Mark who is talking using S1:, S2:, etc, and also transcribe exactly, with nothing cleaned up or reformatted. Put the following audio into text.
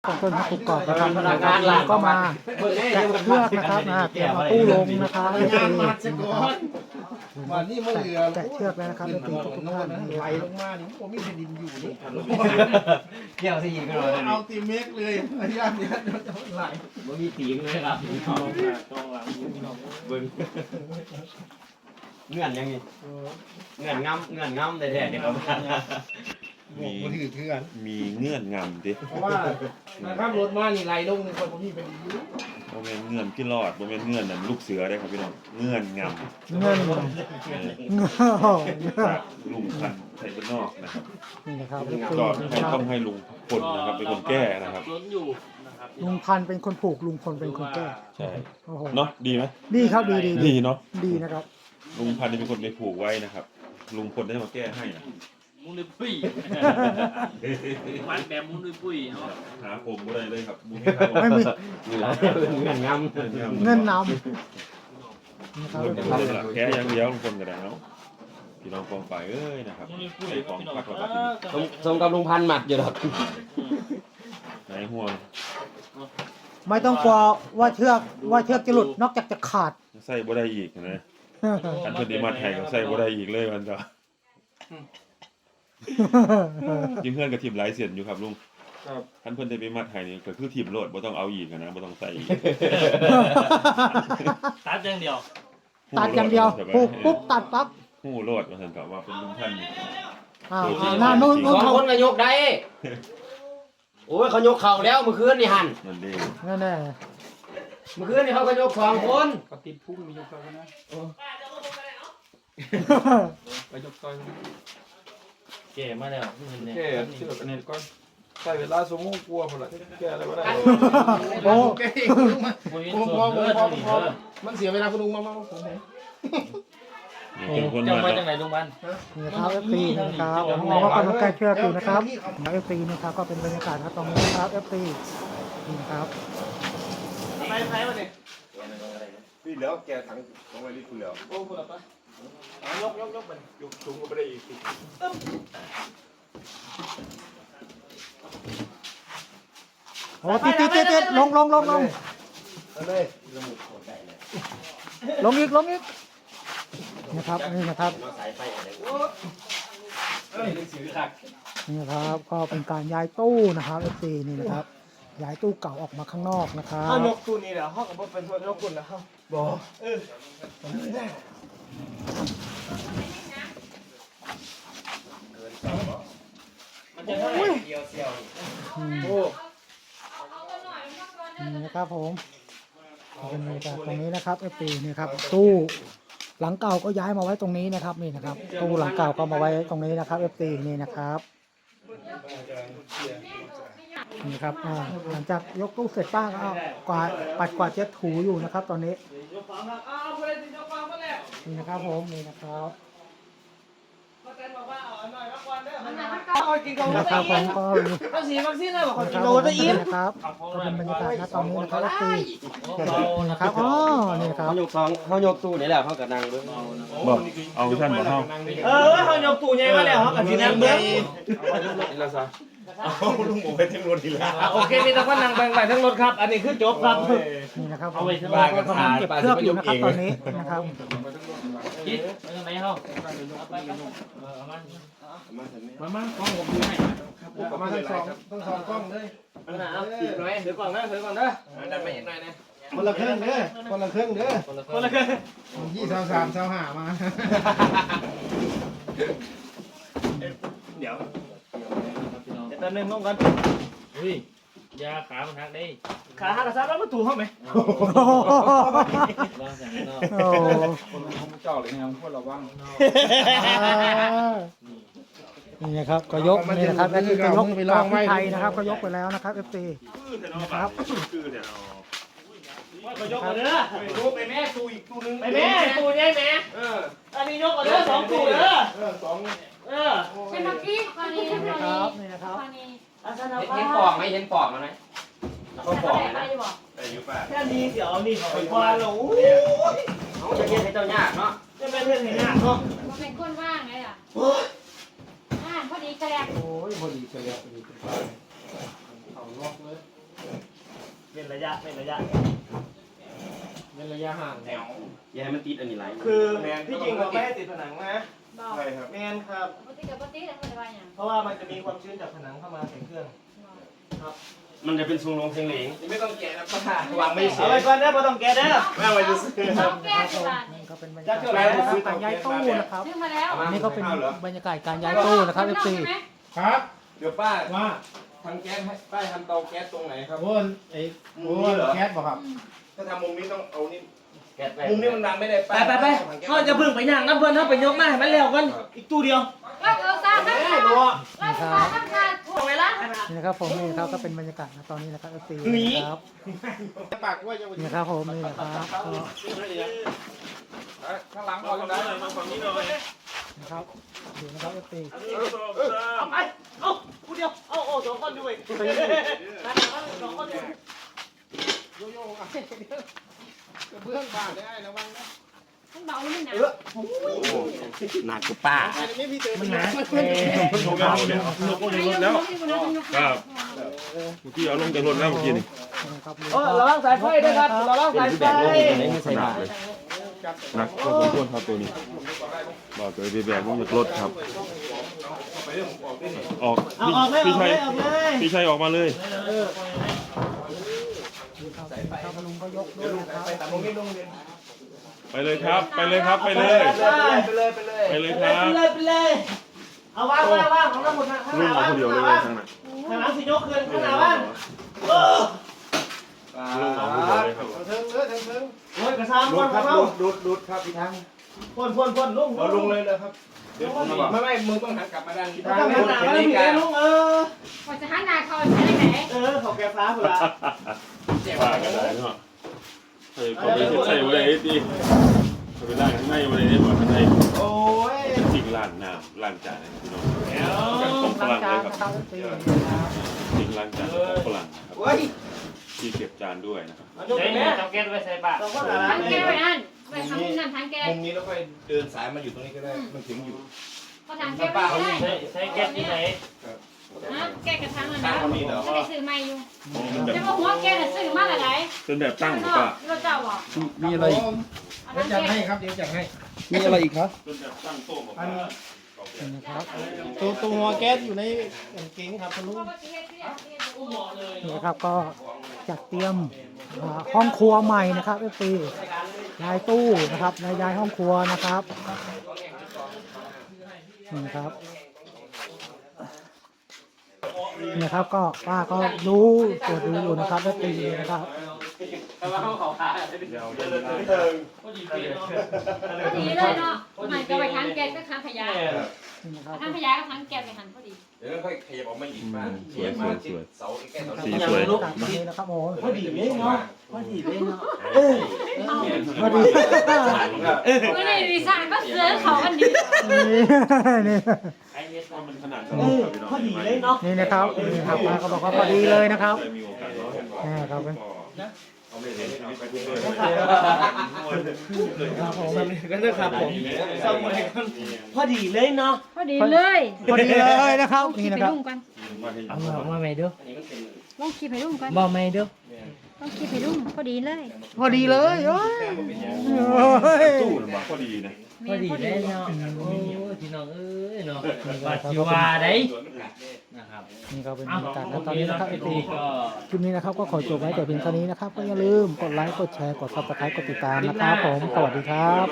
S1: ของต้นทุกกรอบนะครับแล้วก็มาแกะเชือกนะครับนะเตรียมเอาตู้ลงนะครับเอฟซี
S2: วันนี้มันเหลือ
S1: แกะเชือกแล้วนะครับเอฟซีทุกท่าน
S2: ไหลลงมานี่ผมมีแผ่นดินอยู่นี่
S3: เกี่ยวสิยิงกันเลย
S2: เอาตีเมกเลยไอ้ย่านนี้ไหล
S3: มันมีตีงเลยครับต้องหลังเบิ้งเงื่อนยังไงเงื่อนงำเงื่อนงำแต่แท้เนี่ยครับ
S2: มีถือเถื่อน
S4: มีเงื่อนงำดิ
S2: เพราะว่านะครับรถมานี่ไหลลงในคนผมมีแผ่นดินอยู่
S4: โมเมนเงื่อนพี่รอดโมเมนเงื่อนนั่นลูกเสือได้ครับพี่น้องเงื่อนงำ
S1: เงิน
S4: เออ
S1: เงิน
S4: จากลุงพันธุ์ไทยบ้านนอกนะครับ
S1: นี่นะครับเอฟ
S4: ก็
S1: ซี
S4: ให้ต้องให้ลุงพลนะครับเป็นคนแก้นะครับ
S1: ลุงพันธุ์เป็นคนผูกลุงพลเป็นคนแก้
S4: ใช่
S1: โอ้โห
S4: เนาะดีไหม
S1: ดีครับดีดี
S4: ดีเนาะ
S1: ดีนะครับ
S4: ลุงพันธุ์นี่เป็นคนไปผูกไว้นะครับ ลุงพลได้มาแก้ให้นะ
S5: มุ้งด้วยปุ้ยมันแบบมุ้งด้วยปุ้ยเนาะ
S4: หาผมก็ได้เลยครับมุ้ง
S1: ไม่มี
S3: นี่แหละเงื่อนงำ
S1: เงินนำนะครับ
S4: ลุงพลเป็นหลักแก้อย่างเดียวลุงพลก็ได้เนาะพี่น้องกองฝ่ายเอ้ยนะครับ
S5: มุ้งด้วยปุ้ย
S4: ใส่ของปักกระ
S3: สมสมกับลุงพันหมัดอยู่หรอก
S4: ไหนห่วง
S1: ไม่ต้องกลัวว่าเชือกว่าเชือกจะหลุดนอกจากจะขาด
S4: ใส่บ่ได้อีกนะอันเพิ่นได้มาแทงก็ใส่บ่ได้อีกเลยมันจะยิงเพื่อนกับทีมหลายเสียนอยู่ครับลุงครับท่านเพื่อนได้ไปมัดไทยนี่ก็คือทีมโหลดบ่ต้องเอาอีกนะบ่ต้องใส่อีก
S5: ตัดอย่างเดียว
S1: ตัดอย่างเดียวปุ๊บปุ๊บตัดปั๊บ
S4: ฮู้โหลดว่าซั่นก็ว่าเป็นลุงท่านนี่
S1: อ่าหน้านู้น
S3: ส
S1: นู้
S3: อน ง
S1: เขา
S3: คนก็ยกได้โอ้ยเขายกเข่าแล้วเมื่อคืนนี่หัน
S4: นั่นเด้
S1: แน่แน่
S3: เมื่อคืนนี่เขาก็ยกสองคน
S2: ก็ติดพุ่งมียกไปนะไปยกซอย
S5: แก่มาแล้วเห็นเนี่ย
S2: แก่เชือกอันนี้ก่อนใช้เวลาสมมุติกลัวพอละแก่อะไรก็ได้
S1: โอ้
S2: แก่อีกมา
S5: ปุ้ย
S2: ผม
S5: ส่
S2: พ
S5: ว
S2: อน ผ
S5: เลื
S2: ม
S5: อด
S2: พอ
S5: นี่
S2: พอ
S5: เด้อ
S2: มันเสียเวลาคุณลุงมามาผม
S4: นี่เป็นคน
S5: จะ
S4: มา
S5: มา
S4: แล้
S5: จากไหนลุงพัน
S1: นี่นะครับเอฟซีนะครับผมมองว่าคนใกล้เชือกอยู่นะครับเอฟซีนะครับก็เป็นบรรยากาศครับตรงนี้นะครับเอฟซีนี่นะครับ
S5: ไปไปมาเนี่ย
S6: พี่แล้วแกถังของไว้นี่คุณแล้ว
S5: โอ้คุณละปะยกยกยกมัน
S6: ยกสูงก็ไม่ได้อีก
S1: โอ้ติดติดติดติดลงลงลงลง
S2: เลย
S1: ลงอีกลงอีกนะครับนี่นะครับ
S3: มาสายไฟอะไร
S1: นี่นะครับก็เป็นการย้ายตู้นะครับเอฟซีนี่นะครับย้ายตู้เก่าออกมาข้างนอกนะครับ
S2: ถ้ายกตัวนี้แหละห้องกับเป็นตัวยกคุณนะครับบ่เออมันจะเท่าไหร่เดียวเซียว
S1: อืม
S2: โอ้
S1: นี่นะครับผมเป็นบรรยากาศตรงนี้นะครับเอฟซีนี่ครับตู้หลังเก่าก็ย้ายมาไว้ตรงนี้นะครับนี่นะครับตู้หลังเก่าก็มาไว้ตรงนี้นะครับเอฟซีนี่นะครับนี่ครับอ่าหลังจากยกตู้เสร็จป้าก็เอากวาดปัดกวาดเช็ดถูอยู่นะครับ ตอนนี้นี่นะครับผมนี่นะครับนี่นะครับผมก็มี
S2: วัคซีนวัคซีนเลยบอก
S1: นะครับผมนี่นะครับก็เป็นบรรยากาศณตอนนี้นะครับเอฟซีนะครับอ๋อนี่นะครับ
S3: เขายกสองเขายกตู้นี่แหละเขากับนางด้วย
S4: บ่เอาท่านบ่เฮา
S2: เออเขายกตู้ใหญ่มาแล้วเขากับสีแดงเบิ้ง
S6: เอาลุงหมูไปเต็มรถอีกแล้ว
S2: โอเคมีแต่คนนั่งแบ่งไปทั้งรถครับ อันนี้คือจบครับ
S1: นี่นะครับผมก็กำลังเก็บเครื่องอยู่นะครับตอนนี้นะครับ
S5: คิดไปทางไหนเฮาไปไปเอามันมามาของผมดูให้
S2: ประมาณทั้งสองทั้งสองกล้องเลย
S3: มันหนาวติดหน่อยถือก่อนนะถือก่อนนะดันไปเห็นหน่อยนะ
S2: คนละเครื่องเด้อคนละเครื่องเด้อ
S3: คนละเครื่อง
S2: ยี่สามสามสามห้ามา
S5: เดี๋ยว
S2: แต่หนึ่งลงกัน
S5: อุ้ยยาขามันหักได้
S2: ขาหักกระซับแล้วมันถูกห้องไหม
S5: ลองสั่งนอก
S1: โอ้
S2: คนของเจ้าเลยนะพวกเราบ้าง
S1: นี่นะครับก็ยกนี่นะครับและนี่ก็ยกไปลองไทยนะครับก็ยกไปแล้วนะครับเอฟซีนะครับ
S4: คือเนี่ยเอา
S2: ก็ยกมาเด้อดูไปแม่ตู้อีกตู้นึง
S5: ไปแม่ตูใหญ่แม่
S2: เออ
S5: อันนี้ยกก่อนเด้อสองตูเด้อ
S2: เออสอง
S5: เออ
S7: เป็นนักกี้คราวนี้
S1: นี่
S7: ค
S1: นะ
S7: ราว
S1: ค
S7: นี้
S1: รับนี่นะครับ
S7: คราวนี้
S5: อาสนะ
S3: เห็นปอกไหมเห็นปอกมันไหมเขาปอก
S7: ไป
S3: นะ
S7: ดีบอก
S6: แต่อยู่ป่ะ
S5: แค่นี้เดี๋ยวนี่เขาไปกวาดแล้ว
S3: เขาจะเย็นให้เจ้ายากเนาะ
S5: จะเป็นเรื่องไหนยากเนาะ
S7: มันเป็นคนว่างไงล่ะอ่าพอดีกระแดก
S2: โอ้ยพอดีเฉลี่ยพอดีเป็นไปเอาล็อกเลย
S3: เว้นระยะเว้นระยะ
S5: เป็นระยะห่างแนว
S3: อย่าให้มันติดอันนี้ไหล
S8: คือที่จริงเราไม่ให้ติดผนังนะ
S7: บอก
S6: ใช่ครับ
S8: แมนครับ
S7: ปกติกับปกติแล้วมันจะว่าอย่าง
S8: เพราะว่ามันจะมีความชื้นจากผนังเข้ามาใส่เครื่อง
S3: มันจะเป็นทรงลงเสียงเหลง
S6: ไม่ต้องแกะนะป้าวางไม่เสี
S8: เอา
S6: ย
S8: ไว้ก่อนนะพอต้องแกะเด้อ
S6: ไม่เอาไว้จะซื้อ
S7: สองแก้วสิบบาท
S1: นี่
S7: นี่
S1: ก็เป็นบรรยากาศการย้ายตู้นะครับ
S7: ซื้อมาแล้ว
S1: อันนี้ก็เป็นบรรยากาศการย้ายตู้นะครับ เอฟ ซี
S7: ใช่ไหม
S2: ครับ
S6: เดี๋ยวป้า
S2: ว่า
S6: ทำแก๊สให้ป้าทำเตาแก๊สตรงไหนครับ
S2: โอ้นไอ้โอ้นแคทบอกครับ
S6: ถ้าทำมุมนี้ต้องเอานี่
S3: แกะไป
S6: มุมนี้มันดังไม่ได้
S8: ไปไปไปเขาจะพึ่งไปย่างน้ำเพื่อนเขาไปยกมาให้มันเร็วกันอีกตู้เดียว
S7: ก็เอาซาทั้งคาเราซาทั้งคาถูกไหมล่ะ
S1: นี่นะครับผมนี่นะครับก็เป็นบรรยากาศนะตอนนี้นะครับ เอฟ ซี นะครับ
S6: ปากว่าจะ
S1: นี่นะครับผมนี่นะครับก็
S2: ข้างหลังเอาอยู่ไหนมาฝั่งนี้หน่อย
S1: นะครับดูนะครับ เอฟ ซี
S8: เอาไปเอาตู้เดียวเอาโอ้สองคนด้วยสองคนด้วย
S6: เบื้องบาดได้ระวังนะ
S7: มันเบาหรือมันหนัก
S3: หนักกว่าป้า
S6: นี่พี่เจอ
S1: มันหนา
S4: เพิ่นลงแล้วเนี่ยลงลงรถแล้วครับเมื่อกี้เอาลงจากรถแล้วเมื่อกี้นี่
S1: นะครับ
S8: โอ้ระวังสายไฟด้วยครับระวังสายไฟ
S4: ขนาดเลยหนักพอสมควรครับตัวนี้บอกเลยไปแบกลงจากรถครับ ออก
S8: เอาออกเลยอ
S4: พี่
S8: อกเล
S4: ชัย
S8: ยออกเลย
S4: พี่ชัยออกมาเลย
S1: ครับลุงก็ยกด้วยนะครับ
S6: ตามมุมนี้ลงเรียน
S4: ไปเลยครับ ไปเลยครับไปเลย
S6: ไปเลยไปเลย
S4: ไปเลย
S8: ไป
S4: ค
S8: เล
S4: รั
S8: ย
S4: บ
S8: ไปเลยไปเลยเอาว่างว่างว่างของเราหมดนะข้างห
S4: ลุง
S8: น้า
S4: เอา
S8: ว่าง
S4: คนเดียวเลย
S8: ว่าง
S4: ทางนั้น
S8: ข้างหลังสิยกคืนข้างหน้าว่างเออ
S4: ลุงเอาคนเดียวเลยครับ
S6: เทิงเออเทิงเทิง
S8: โอ้ยกระซ้ำ
S6: ดู
S8: พ่
S6: ด
S8: น
S6: ครับ
S8: เขา
S6: ดูดดูดครับอีกทาง
S8: พ่นพ่นพ่นลุง
S6: เราลงเลยเลยครับเดี๋ยวไม่ไม่มือต้องหันกลับมาด้านนี้
S8: ทางหน้ามาแล้วมีไอ้ลุงเออ
S7: พอจะหันหน้าเขาใช้ได้ไหน
S8: เออเขาแกฟ้าเผื่อ
S4: ว่ากันได้เนาะใส่ก็ไปใส่ไว้เลยดิไปล้างข้างในไว้เลยหมดข้างใน
S8: โอ้ย
S4: จริงล้างน้ำล้างจานพี่น้อง
S8: เดี๋ยว
S4: ของฝ
S1: ล้าง
S4: รั่ง
S1: จา
S4: เล
S1: น
S4: ยครับ
S1: นะครับ เอฟ ซี นะครับ
S4: จริงล้างจานของฝรั่งครับ
S6: โอ้ย
S4: ที่เก็บจานด้วยนะครับ
S8: ยก
S5: ใช้
S8: แม่
S5: จับแก๊สไว้ใส่ปาก
S8: ต้องว่าอะไร
S7: ทั้งแก้วไปนั่นไปทำนั่นทั้งแก้ว
S6: มุมนี้แล้วค่อยเดินสายมาอยู่ตรงนี้ก็ได้มันถึงอยู่
S7: พอทางแก้วไม่ได้
S5: ใช้ใช้แก๊สที่ไหน
S7: นะแก้กระทังนะนะก็ได้ซื้อใหม่อยู่จะมาหัวแก้น่ะซื้อมาหลาย
S4: เป็นแบบ
S7: ๆ
S4: ตั้งหรือเปล่า
S7: เราเจ้าอ่ะ
S2: มีอะไรอีก
S7: เอาทั้งแก้ว
S2: ครับเดี๋ยวจัดให้ มีอะไรอีกครับ
S4: เป็นแบบตั้งโต๊ะบอก
S2: อัน
S4: ว่า
S1: นี่นะครับ
S2: ตัวตัวหัวแก๊สอยู่ในกางเกงครับคุณลุง
S1: นี่นะครับก็จัดเตรียมอ่าห้องครัวใหม่นะครับ เอฟ ซี ย้ายตู้นะครับย้ายห้องครัวนะครับนี่ครับนี่ครับก็ป้าก็รู้ตรวจดูอยู่นะครับ เอฟ ซี นะครับ
S5: แต่ว่าเขาเขาขา
S4: เดี๋ยวเดิน
S6: เทิง
S5: ก็ดีเปลี่ยนเนาะ
S7: พอดีเลยเนาะมันก็ไปทั้งแก้ก็ทั้งขยะ
S1: นี่นะครับ
S7: ทั้งขยะก็ทั้งแก้ไปหันพอดี
S6: เดี๋ยวค่อยขยับออกมาอีกบ้างขยับมาที่เสาแก้เสา
S4: สีสวย
S1: จัดมาเลยนะครับโอ้โห
S8: พอดีเลยเนาะพอดีเลยเนาะ
S1: พอดี
S7: ไม่ได้ดีไซน์ก็เสือเขาอันนี้
S1: นี่
S5: ไอ้เนี่ย
S4: มันขนาด
S8: เออพอดีเลยเนาะ
S1: นี่นะครับนี่ครับป้าก็บอกว่าพอดีเลยนะครับ
S4: ได้มีโอกาสร้อง
S1: นี่ครับเป็น
S4: เอาไม่เห็นชีวิตไปด้วย
S1: ครับผม
S8: กันด้วยครับผมสมัยกันพอดีเลยเนาะ
S7: พอดีเลย
S1: พอดีเลยนะครับนี่
S7: ไป
S1: นะครับ
S7: รุ่งกัน
S5: เอามาไม่ดู
S7: ลองคิดไปรุ่งกัน
S5: บ่ไม่ดู
S7: ลองคิดไปรุ่งพอดีเลย
S1: พอดีเลยโอ้ยโอ้ย
S4: ตู้มันมาพอดีนะ
S5: พอดีเลยเนาะโอ้พี่น้องเอ้ยเนาะว่าสิว่าได้นะครับ
S1: นี่ก็เป็นบรรยากาศนะตอนนี้นะครับเอฟซี
S5: ก็
S1: คลิปนี้นะครับก็ขอจบไว้แต่เพียงเท่านี้นะครับก็อย่าลืมกดไลค์กดแชร์กดซับสไครต์กดติดตามนะครับผมสวัสดีครับ